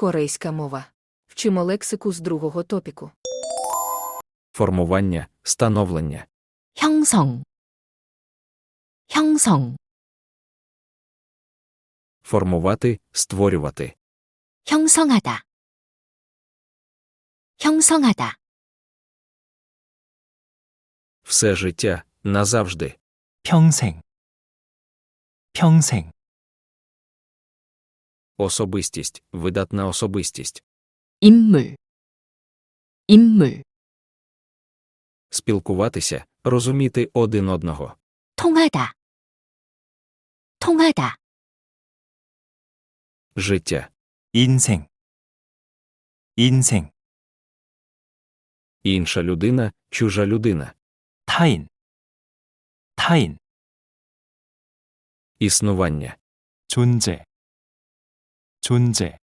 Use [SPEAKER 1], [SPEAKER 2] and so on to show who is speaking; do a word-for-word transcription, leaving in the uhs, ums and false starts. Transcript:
[SPEAKER 1] Корейська мова. Вчимо лексику з другого топіку.
[SPEAKER 2] формування, становлення,
[SPEAKER 3] 형성, 형성,
[SPEAKER 2] формувати, створювати,
[SPEAKER 3] 형성하다, 형성하다,
[SPEAKER 2] все життя, назавжди,
[SPEAKER 4] 평생, 평생,
[SPEAKER 2] особистість, видатна особистість,
[SPEAKER 3] 인물, 인물,
[SPEAKER 2] спілкуватися, розуміти один одного,
[SPEAKER 3] 통하다, 통하다,
[SPEAKER 2] життя,
[SPEAKER 4] 인생, 인생,
[SPEAKER 2] інша людина, чужа людина,
[SPEAKER 4] 타인, 타인,
[SPEAKER 2] існування,
[SPEAKER 4] 존재, 존재,